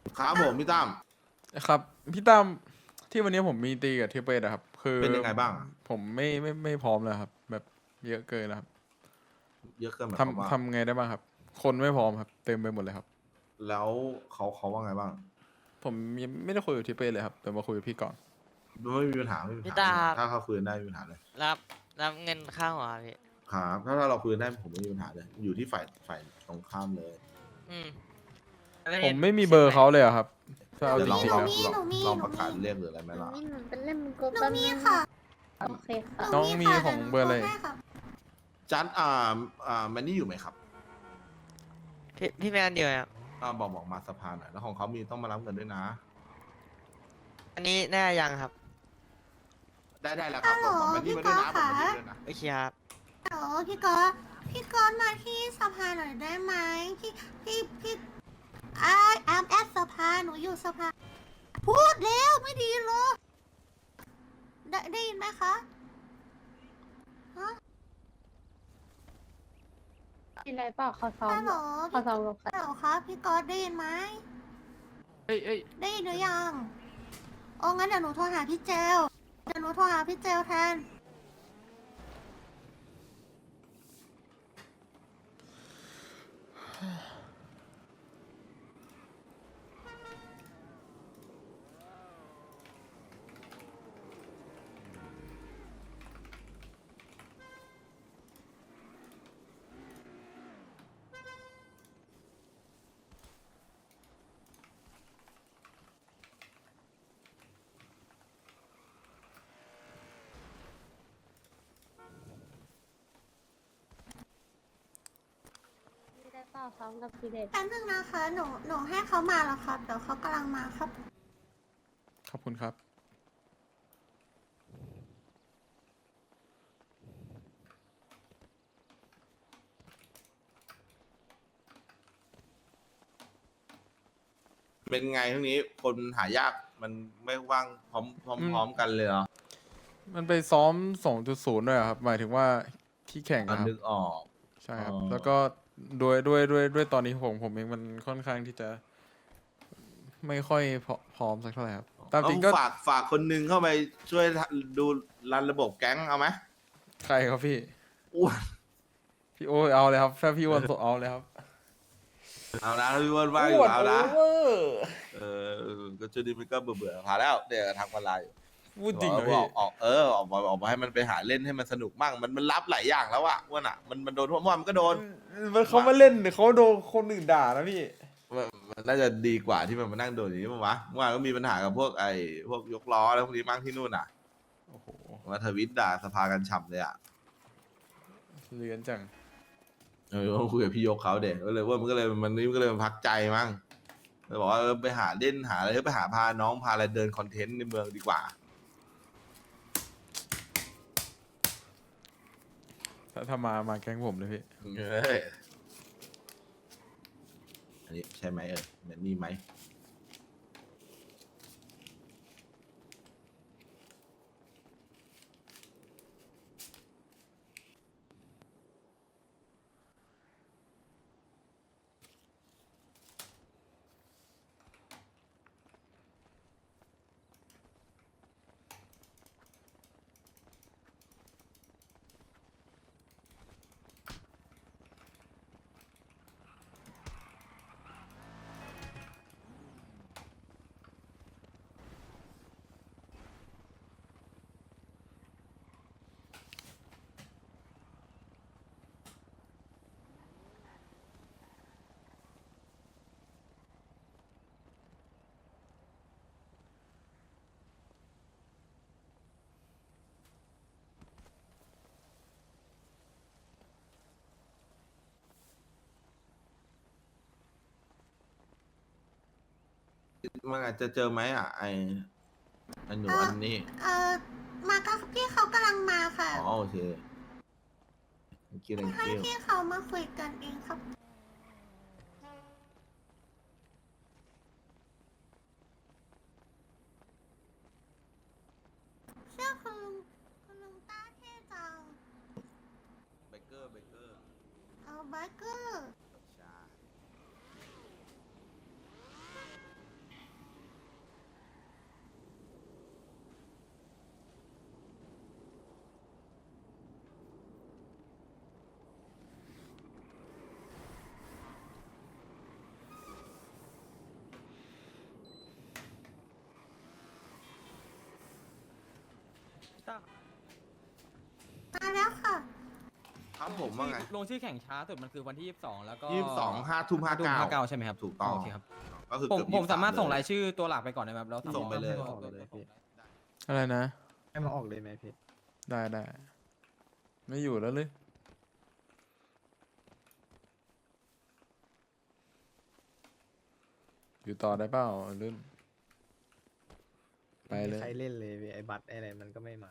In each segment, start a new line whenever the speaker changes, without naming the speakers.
ครับผมพี่ตั้ม
ครับพี่ตั้มที่วันนี้ผมมีตีกับเทเปอะครับคือ
เป็นยังไงบ้าง
ผมไม่พร้อมเลยครับแบบเยอะเกินแล้วครับ
เยอะเกินหมายความว่า
ทำไงได้บ้างครับคนไม่พร้อมครับเต็มไปหมดเลยครับ
แล้วเขาว่าไงบ้าง
ผมยังไม่ได้คุยกับเทเปเลยครับเดี๋ยวมาคุยกับพี่ก่อน
ไม่มีปัญหาไม่มีปัญ
พี่ตา
หาไม่มีปัญหา
ครับ
ถ้าเขาคุยกันได้ไม่มีปัญหาเลย
รับรับเงินค่าหัวครับพี่
ครับถ้าเราคุยกันได้ผมไม่มีปัญหาเลยอยู่ที่ฝ่ายตรงข้ามเลย
อืม
ผมไม่มีเบอร์เขาเลยอะครับถ้าเอา
เดี๋ยวลอง
จริงๆแล้ว
ลองประกาศเรียกหรืออะไรไหมล่ะ
หนูเป็นเล่มกบ
หนู
แป๊บ
มี
นึง
ค่ะ
โอเคค่ะ
น้องมีของเบอร์อะไร
หนูโทให้ค่ะ
จัดแมนนี่อยู่ไหมครับ
พี่แมนเดียวครับ
บอกมาสภาหน่อยแล้วของเขามีต้องมารับเงินด้วยนะ
อันนี้แน่ยังครับ
ได้แล้วครับบอกแมนนี่มาด้วยนะบอกแมนนี่ด้วยนะ
โอเคครับ
ฮัลโหลพี่ก๊อตมาที่สภาหน่อยได้ไหมพี่แอมแอดสภาหนูอยู่สภาพูดแล้วไม่ดีเลยได้ยินไหมคะฮะ
กินอะไรเปล่าเขาซ้อม
ฮัลโหล
เขาซ้อมกับใคร
ฮัลโหลครับพี่ก๊อตได้ยินไหม
เอ้ย
ได้ยินหรือยังโอ้งั้นเดี๋ยวหนูโทรหาพี่เจลแทน
กินอะไรเปล่าซ้อมกับพี่เดช
แป๊บนึงนะคะหนูให้เขามาแล้วครับเดี๋ยวเขากำลังมาครับ
ขอบคุณครับ
เป็นไงทั้งนี้คนหายากมันไม่ว่างพร้อมกันเลยเหรอ
มันไปซ้อม2.0ด้วยอะครับหมายถึงว่าที่แข่งอะครับ
นึกออก
ใช่ครับ
อ๋อ
แล้วก็ด้วยตอนนี้ผมเองมันค่อนข้างที่จะไม่ค่อยพร้อมสักเท่าไหร่ครับตามจริงก็
ฝากคนหนึงเข้าไปช่วยดูรันระบบแก๊งเอาไหม
ใครครับพี่
อ้วน
พี่โอ้ยเอาเลยครับถ้าพี่อ้วันเอาเลยครับ
เอานะพี่อ้วนว่าอยู่เอานะ
โอเวอร์
ก็ช่วงนี้มันก็เบื่อๆพาแล้วเดี๋ยวทางออนไลน์อยู่
พูดจริงเหรอ
อ
พี่
อกมาให้มันไปหาเล่นให้มันสนุกมั่งมันรับหลายอย่างแล้วอะอ้วนอะมันโดนทั่วมันก็โดน
มันเขามาเล่นเขาโดนคนอื่นด่านะพี่
มันน่าจะดีกว่าที่มันมานั่งโดนอย่างนี้มั้งวะเมื่อวานก็มีปัญหากับพวกพวกยกล้อแล้วพวกนี้มั่งที่นู่นอะ
โอ้โห
มาทวิตด่าสภากันฉ่ำเลยอะ
เลือนจัง
ต้องคุยกับพี่ยกเขาเด็กก็เลยว่ามันก็เลยมันพักใจมั้งเลยบอกว่าไปหาเล่นหาอะไรไปหาพาน้องพาอะไรเดินคอนเทนต์ในเมืองดีกว่า
ถ้ามาแก๊งผมเลยพี่
เฮ้ยอันนี้ใช่ไหมเหมือนนี่ไหมมันอาจจะเจอไหมไอหนูอันนี้
มาก็พี่เขากำลังมาค่ะ
อ๋อโอเคthank you thank
ให้
you
พี่เขามาคุยกันเองครับเชื่อคุณลุงต้าเท่จัง
เบเกอร์
เอาไบเกอร์
ใช่
มาแล้วค่ะ
ครับผมว่าไง
ลงชื่อแข่งช้าสุดมันคือวันที่ 22 แล้วก็
22 5 ทุ่ม 59
ใช่ไหมครับ
ถูกต้อง
โอเคครับ
ก็คือ
ผม
เกือบ
ผมสามารถ
23
ส่งรายชื่อตัวหลักไปก่อนได้ไหมครับแล้ว
ส่งไปเลย
อะไรนะ
ให้มาออกเลยไหมพี่
ได้ได้ ไม่อยู่แล้วเลย อยู่ต่อได้เปล่าลื่น ไปเลย
ใครเล่นเลยพี่ไอ้บัตรไอ้อะไรมันก็ไม่มา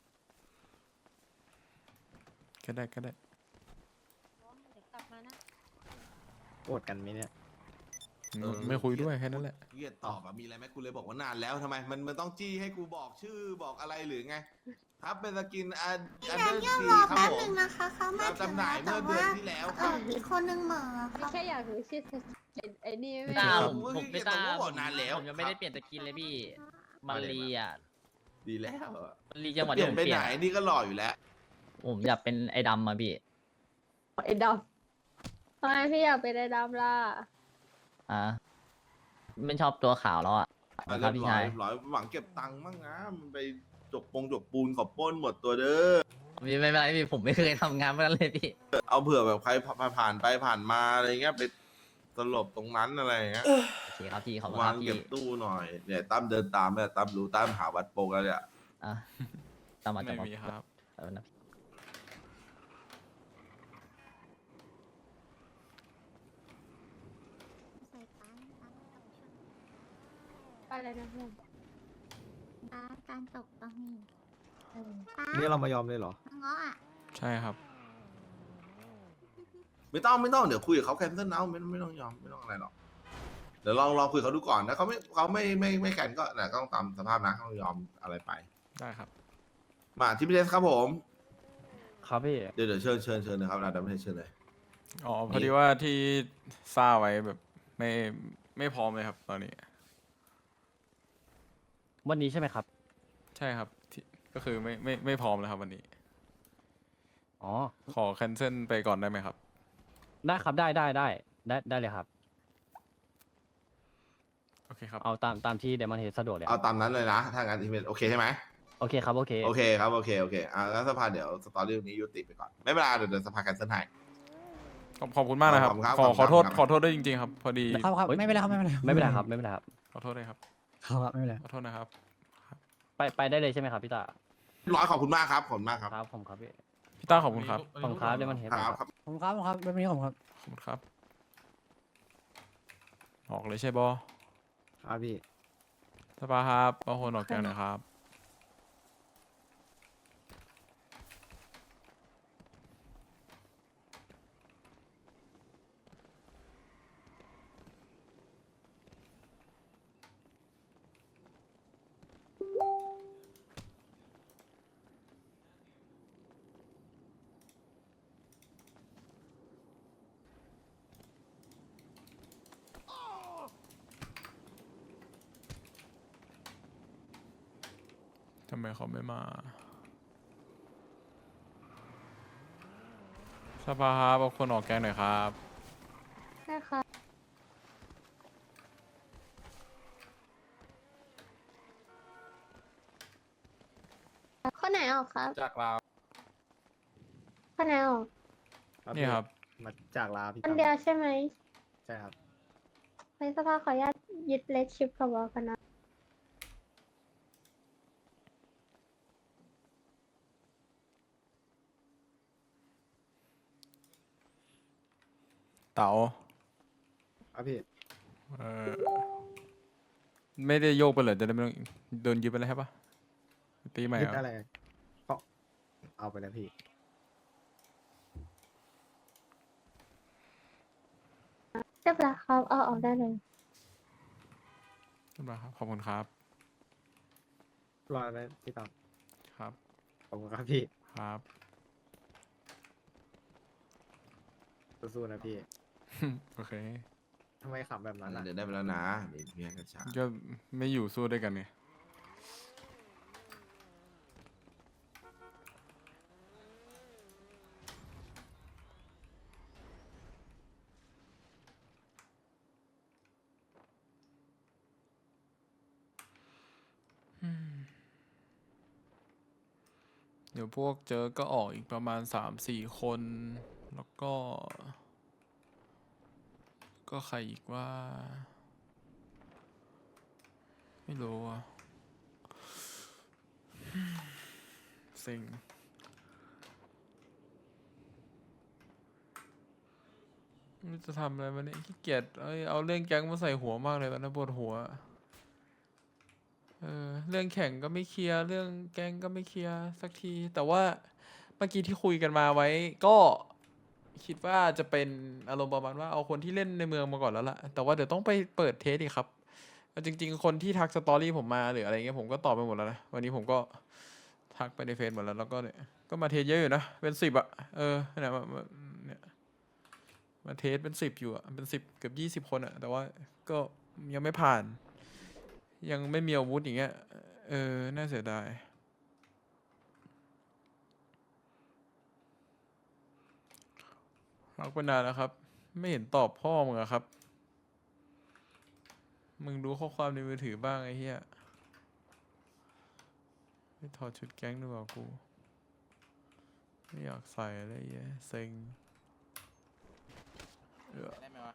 ก็ได้ก็ได้
เดี๋ยวกลับมานะ
โกรธกันไหมเนี่ย
ไม่คุยด้วยแค่นั้นแหละ
เกียดตอบอะมีอะไรไหมกูเลยบอกว่านานแล้วทำไมมันต้องจี้ให้กูบอกชื่อบอกอะไรหรือไง ครับเป็นสกินอัน
พี่
อัน
แด
เดอน ร์
เยี่ยม
ซี
รอ
ครับ
แป๊บ
ผ
หนึ่
ม
งนะคะเขามาถึ
จำ
ง
หน่า
แล้
ยว เมื่อ
แต่ว่า
เดือนที่แล้วครับ
อีกคนนึงเหม่อค
ไม่
รับ
แค่อยากรู้ชื่อไอ้นี่ไม่
ตา
รู้
ผมไม่ตาบอกนานแล้ว
ผมยังไม่ได้เปลี่ยนสกินเลยพี่ มารีอ่ะ
ดีแล้วอะ
มารีจังหวัด
เปลี่
ที่
ยน
ผม
ไป
เปลี่
ไห
ย
น
น
นี่ก็หล่ออยู่แล้ว
ผมอยากเป็นไอ้ดำมาพี่
ไอ้ดำทำไมพี่อยากเป็นไอ้ดำล่ะ
อ่ะไม่ชอบตัวขาวแล้วอ่ะ
อ่ะ
ค
เรี
รั
ย
บบ พี่
ร้อ
ชาย ย
เรียบร้อยหวังเก็บตังค์มั่งนะมันไปจกปูนขอบปล้นหมดตัวเด้อ
พี่ไม่เป็นไรพี่ผมไม่เคยทำงานเมื่อนั้นเลยพี่
เอาเผื่อแบบใครผ่านไปผ่านมาอะไรเงี้ยไปสลบตรงนั้นอะไรเงี้ย
โอเคครับพี่ขอบคุณคว
า
รั
ง
บพี่
เก็บตู้หน่อยเนี่ยตั้มเดินตามเนี่ยตั้มรู้ตั้มหาวัดโปกแล้วเนี่ย
อ่ะตามมา
ไม่
จาก
มีครับ
นะ
อะไรนะเพื่อน
การตกต้องมีป้า
นี่เรามายอมเลยเหรอ
เงาะอ่ะ
ใช่ครับ
ไม่ต้องเดี๋ยวคุยกับเขาแคนเซิลเอาไม่ต้องยอมไม่ต้องอะไรหรอกเดี๋ยวลองคุยกับเขาดูก่อนนะเขาไม่แคนก็แต่ก็ต้องตามสภาพนะเขายอมอะไรไป
ได้ครับ
มาที่พี่เดสครับผม
ครับพี่
เดี๋ยวเชิญนะครับเราดำให้เชิญเลย
อ๋อ พอดีว่าที่ซ่าไว้แบบไม่พร้อมเลยครับ ตอนนี้
วันนี้ใช่ไหมครับ
ใช่ครับที่ก็คือไม่พร้อมแล้วครับวันนี้
อ๋อ
ขอแคนเซิลไปก่อนได้ไหมครับ
ได้ครับได้เลยครับ
โอเคครับ
เอาตามที่เดมอนเฮดสะดวกเลย
เอาตามนั้นเลยนะถ้างั้นที่เป็นโอเคใช่ไหม
โอเคครับโอเค
โอเคครับโอเคแล้วสภาเดี๋ยวสตอรี่นี้ยุติไปก่อนไม่เป็นไรเดี๋ยวสภาแคนเซิลให้
ขอบคุณมากนะครับ
ขอบคุณครับ
ขอโทษ
ขอบคุณครับ
ขอโทษด้วยจริงๆครับ พอดี
ครับไม่เป็นไรครับไม่เป็นไร
ไม่เป็นไรครับไม่เป็นไรครับ
ขอโทษเลยครับ
ครับไม่เป็นไร
ขอโทษนะครับ
ไปได้เลยใช่ไหมครับพี่ตา
ร้อยขอบคุณมากครับขอบคุณมากครับ
ครับผมครับพี่
พี่ต้าขอบคุณครับ
ขอบคุณครับเดมอนเฮด
ครับ
ผมครับไม่เป็นไรผมครับ
ขอบคุณครับ ออกเลยใช่บอ
ครับพี่
สปาครับเอาคนออกแกงหน่อยครับ ทำไมเขาไม่มาสภาครับเอาคนออกแกงหน่อยครับ
ได้ค่ะคนไหนออกครับ
จากลาว
คนไหนออก
นี่ครับ
มาจากลาพี่
คนเดียวใช่ไหม
ใช่ครับ
ในสภาขออนุญาตยึดเลสชิปกับวอลกันนะ
เต๋า
ครับพี่
เออไม่ได้โยกไปเลยจะได้ไม่ต้องโดนยึดไปเลยใช่ปะตีใหม่
ยึด
เหรอ
อะไรก็เอาไปแล้วพี่
เรียบร้อยครับเอาออกได้เลย
เรียบร้อยครับ ขอบคุณครับ
รอไหมพี่ตาม
ครับ
ขอบคุณครับพี่
ครับ
สู้ๆนะพี่
โอเค
ทำไมขำแบบนั้นอ่ะ
เดี๋ยวได้ไปแล้วนะเดี๋ยวพี่ให้กระชา
ก็ไม่อยู่สู้ด้วยกันไงเดี๋ยวพวกเจอก็ออกอีกประมาณ3-4 คน แล้วก็ ก็ใครอีกว่า ไม่รู้อ่ะเซ็งไม่รู้จะทำอะไรมาเนี่ยขี้เกียจเอาเรื่องแก๊งมาใส่หัวมากเลยตอนนี้ปวดหัว เรื่องแข่งก็ไม่เคลียร์เรื่องแก๊งก็ไม่เคลียร์สักที แต่ว่าเมื่อกี้ที่คุยกันมาไว้ ก็คิดว่าจะเป็นอารมณ์ประมาณว่าเอาคนที่เล่นในเมืองมาก่อนแล้วล่ะ แต่ว่าเดี๋ยวต้องไปเปิดเทสอีกครับเอาจริง ๆ คนที่ทักสตอรี่ผมมาหรืออะไรเงี้ยผมก็ตอบไปหมดแล้วนะ วันนี้ผมก็ทักไปในเฟซหมดแล้วแล้วก็เนี่ยก็มาเทสเยอะอยู่นะ เป็น10อะเนี่ยเนี่ยมาเทสเป็น10อยู่อะเป็น10เกือบ20 คนอะแต่ว่าก็ยังไม่ผ่าน ยังไม่มีอาวุธอย่างเงี้ย น่าเสียดายรักไปนานแล้วครับ ไม่เห็นตอบพ่อมึงอะครับ มึงดูข้อความในมือถือบ้างไอ้เหี้ยไม่ถอดชุดแก๊งดูกว่ากู ไม่อยากใส่อะไรเงี้ยเซ็ง
ได้ไหมวะ